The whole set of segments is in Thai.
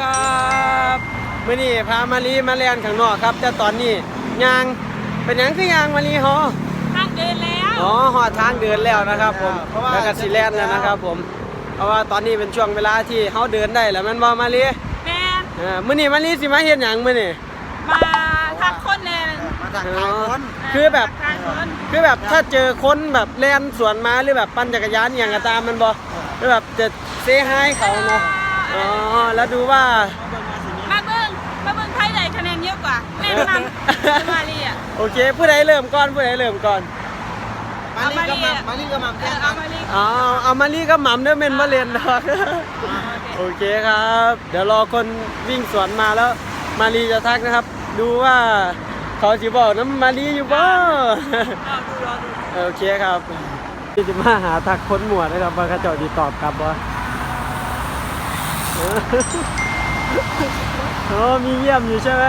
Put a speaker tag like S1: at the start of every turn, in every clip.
S1: ครับมื้อนี้พามาลีมาเรียนข้างนอกครับแต่ตอนนี้ยางเป็นหยังคือยางมาลีฮอ
S2: ทางเดินแล้ว
S1: อ๋อฮอดทางเดินแล้วนะครับผมแล้วก็สิแล่นแล้วนะครับผมเพราะว่าตอนนี้เป็นช่วงเวลาที่เฮาเดินได้แล้วแม่นบ่มาลี
S2: แม่
S1: มื้อนี้มาลีสิมาเฮ็ดหยังมื้อนี้
S2: มาทักคนแน่
S3: มาทักทายคน
S1: คือแบบถ้าเจอคนแบบแล่นสวนมาหรือแบบปั่นจักรยานอย่างก็ตามมันบ่หรือแบบจะเซฮายเขาเนาะอ๋อแล้วดูว่า
S2: มาเบิ่งไพ่ไหนคะแนนเยอะกว่าแม่นำมาลีอ่ะ
S1: โอเคผู้ใดเริ่มก่อน
S3: มาลีก็มัม
S1: เอามาลีก็หม่ำเด้อเม่นบ่เล่นดอกโอเคครับเดี๋ยวรอคนวิ่งสวนมาแล้วมาลีจะทักนะครับดูว่าเขาสิบอกน้ำมาลีอยู่บ่โอเคครับที่จะมาหาทักคนหมวดนะครับว่าเขาเจ้าสิตอบกลับบ่โอ้มีเยี่ยมอยู่ใช่ไหม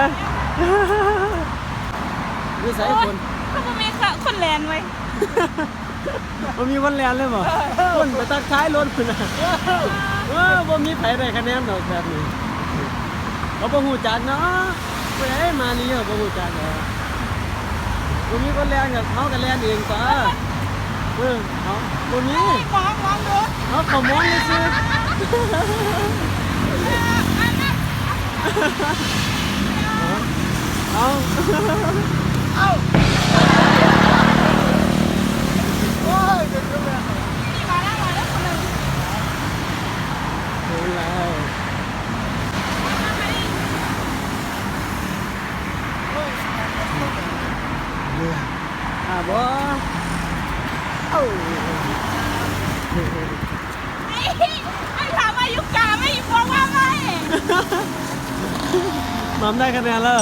S1: นี่ใส่คน
S2: เขาบ่มีคนแลนไว้
S1: มันมีคนแลนเลยบ่คนไปตักท้ายรถพุ่นน่ะบ่มีไผได้คะแนนดอกแบบนี้เขาบ่ฮู้จักเนาะไปไหนมาลีเขาบ่ฮู้จักเนาะบ่มีคนแลนกับเฮาก็แลนเองซะเฮาบ่มี
S2: มองดู
S1: เขามองซื่อเอา
S3: โอ้ยเด็กก็แบบ
S2: นี่มาแล้วคนนึง
S1: เฮ้ยแล้วบ่
S2: ไอ้ถามอายุกาไม่บอกว่าไม่
S1: หม่ำได้คะแนนแล้ว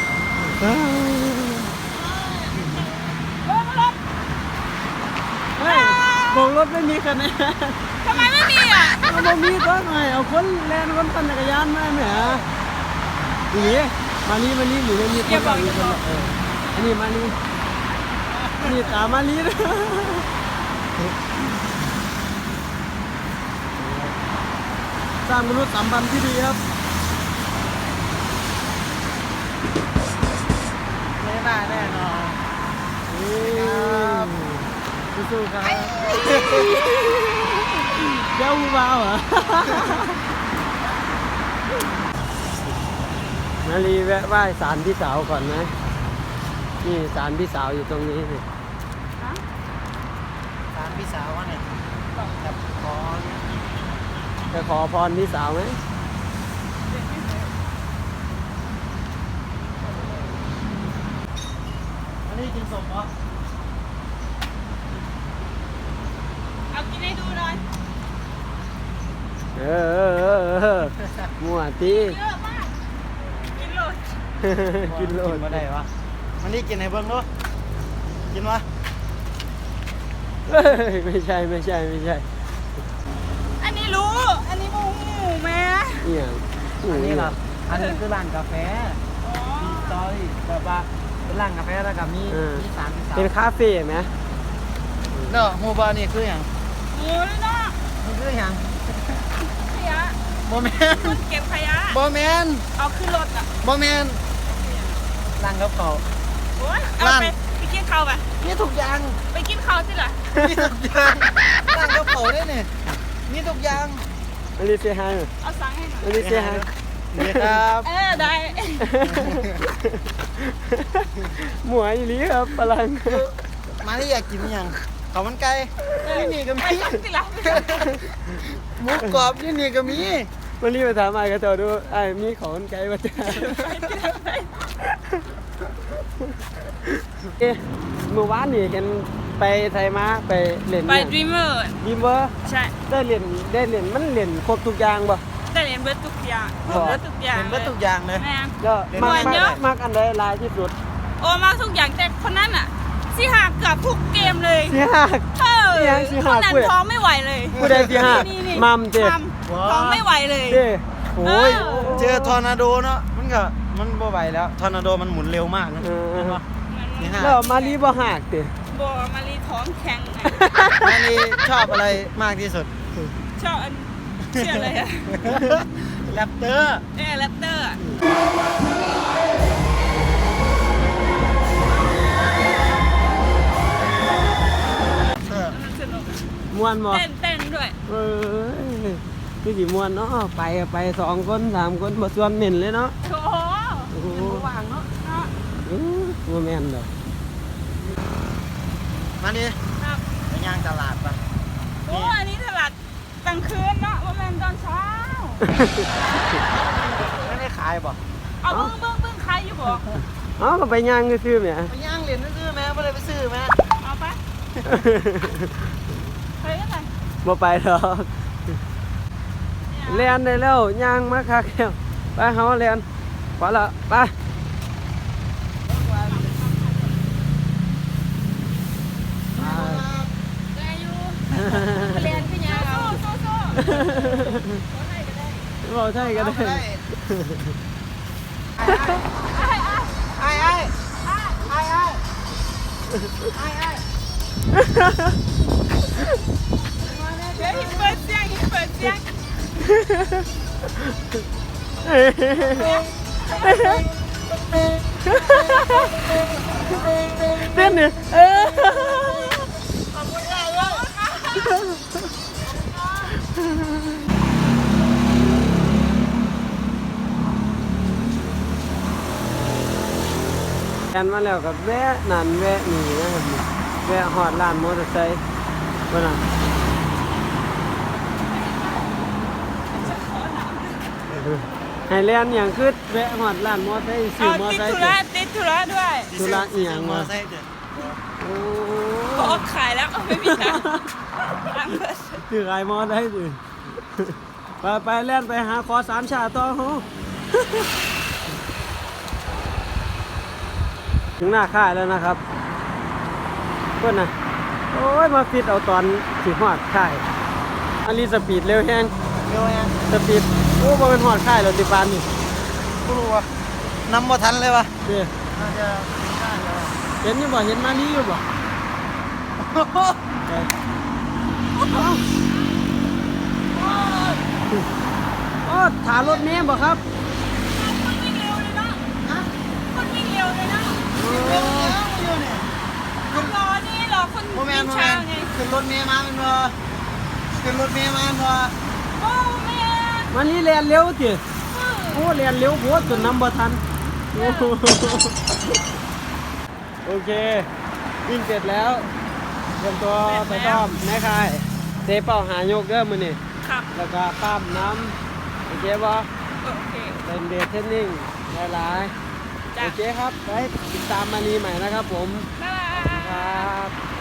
S1: โบกรถไม่มีคะแนน
S2: ทำไมไม่มีอ่ะ
S1: บ่มีก็หน่อยเอาคนแล่นคนปั่นจักรยานมาแหมนี่มาลีหรือมีคนบอกอยู่คนอันนี้มาลีนี่ตามมาลีนะสร้างมนุษย์สัมพันธ์ที่ดีครับ
S3: ไม่ได้แน่นอน
S1: ครับสู้ๆครับเจ้าผู้บ่าวเหรอมาลีแวะไหว้ศาลพี่สาวก่อนไหมนี่ศาลพี่สาวอยู่ตรงนี้สิ
S3: ตามพี่สาวเนี่ยกับขอ
S1: จะขอพรพี่สาวไหม
S3: อันนี้กินสมเหรอ
S2: เอากินให้ดูหน่อย
S1: มั่วตี
S2: เยอะมากกินโลด
S1: กินโลด
S3: มาได้วะมันนี่กินให้เบิ่งดูกินวะ
S1: ไม่ใช่
S2: อันนี้รู้อันนี้มูแม่
S1: เนี่ย
S3: อันนี้ครับอันนี้คือร้านกาแฟมีสตอรี่แบบว่าเป็นร้านกาแฟแล้วก็มีสาร
S1: เป็นคาเฟ่ไหม
S3: เนาะโมบานี่คืออย่าง
S2: โอ้ยเนาะ
S3: มันคืออย่าง
S2: ขยะ
S3: โมเมน
S2: เก็บขยะ
S3: โมเมน
S2: เอาขึ้นรถอ่ะ
S3: โมเมนร้านกาแฟ
S2: โอ้ยเอาไปกินข้าวไป
S3: นี่ทุกอย่าง
S2: ไปกินข้าวสิล่ะ
S3: นี่ทุกอย่างร้านกาแฟได้เนี่ยนี่ทุกอย่าง
S1: อันนี้เสียหาย
S2: เอาสั่งให้หน่อย
S1: อันนี้เสียหาย
S3: นี่ครับ
S2: ได้
S1: หมวยอีหลีครับพลัง
S3: มาที่อยากกินอย่างข้าวมันไก่นี่ก็มีหมูกรอบนี่ก็มี
S1: วันนี้ไปถามไอ้กระโจดูไอ้มีข้าวมันไก่มาจ้าเมื่อวานนี่เห็นไปไทยมาไปเล่น
S2: ไปดรีมเมอร์ใช่
S1: ได้เล่นมันเล่นครบทุกอย่างป่ะ
S2: ได้เล่นเบิร์ดทุกอย่างเบิร์ดทุกอย่าง
S3: เบิร์ดทุกอย่างเลย
S1: ก็มากอันใดลายที่สุด
S2: โอ้มากทุกอย่างแต่คนนั้นอ่ะสิหักเกือบทุกเกมเลย
S1: สิหัก
S2: คนนั้นท้องไม่ไหวเลย
S1: ผู้ใดสิหักมัมเจ๊
S2: ท้องไม่ไหวเลย
S1: โอ้ย
S3: เจอทอร์นาโดเนาะมันบ่ไหวแล้วทอร์นาโดมันหมุนเร็วมากนะ
S1: แล้วมาลีบ่หักเจ๊
S2: บ่มาลีท้องแข็ง
S3: มาลีชอบอะไรมากที่สุด
S2: ชอบเชื่ออะไรอะ
S3: แรปเตอร์
S2: แรปเตอร์ สนุก
S1: ม่วนบ่
S2: เต้นด้วย
S1: เอ้ยคือสิม่วนเนาะไปก็ไป2คน3คนบ่ส่วนเน้นเลยเนาะ
S2: โอ้โห
S1: โอ้โห
S3: ว่างเนาะ
S2: เนาะ
S1: บ่แม่นดอก
S3: มาดิ
S2: ครับ
S3: ไปย่างตลาดปะ
S2: โอ้อันนี้ตลาดกลางคืนเนาะว่าแม่นตอนเช้า
S3: ไม่ได้ขายบ่
S2: เอาเบิ้งใครอยู่บ่
S1: อ๋อก็ไปย่างซื่อๆแหม
S3: ไปย่างเหรียญซื้อไหมไม่ได้ไปซื้อไหม
S2: เอาไปไปกันไหน
S1: บ่ไปดอกเรียนได้แล้วย่างมาคักแล้วไปเฮาเรียนพอละไป
S2: ได้อยู่เรียนพี่ยาโซ่
S1: เราใช่ก็ได้
S3: ไอ้
S2: เดี๋ยวหินเปิดเสียง
S1: เต้นเนี่ยแอนมาแล้วกับแวะนั่นแวะนี่นะครับแวะหอดร้านมอเตอร์ไซค์ว่าน่ะให้เล่นอย่างคือแวะหอดร้านมอเตอร์ไซค์ซื้อ
S2: เอา
S1: มอเตอร์
S2: ติด
S1: ไซ
S2: ธุ
S1: ค์
S2: ระติดธุระด้วย
S1: ธุระอีหยังวะ โอ้
S2: พอขายแล้วไม่มีแล้วร้านเปิด
S1: ถือไอ้มอได้สิไปเล่นไปหาคอ3ชาต่อโหถึงหน้าค่ายแล้วนะครับเพื่อนนะโอ้ยมาฟิตเอาตอนสิหอดค่ายอันนี้สปีดเร็วแฮง
S3: เร็วยัง
S1: สปีดโอ้บ่เป็นหอดค่ายแล้วติปานนี่
S3: กูรู้ว่ะนำบ่ทันเลยวะ
S1: เด้อ
S3: น่าจะได้แล้ว
S1: เห็นอยู่บ่เห็นมาลีอยู่บ่ไปโอ้ถารถเมล์บ่ครับ
S2: คนวิ่งเร็วเลยเนาะคนวิ่งเร็วเลยเนาะรอนี่รอคน
S3: โมแม
S2: วิ่
S3: น
S2: ง
S3: โมแม
S2: ช้าน ไง
S3: ขึ้นรถเมย์มาเป็นบ่ขึ้นรถเมย์มาเป็นบ่
S2: โอ้แม่
S1: มาลีแล่นเร็วติโอ้แล่นเร็วโพดจนนำบ่ทันโอ้โหโอเควิ่งเสร็จแล้วเตรียมตัวไปซ้อมในค่ายเตะเป้าหายกเด้อมื้อนี้
S2: ครับ
S1: แล้วก็ปั้มน้ำโอเคบ่
S2: โอเค
S1: เป็นเดทเทรนนิ่งหลายๆ
S2: จ้ะ
S1: โอเคครับ ไปติดตามมารีใหม่นะครับผม
S2: บ๊ายบาย
S1: ครับ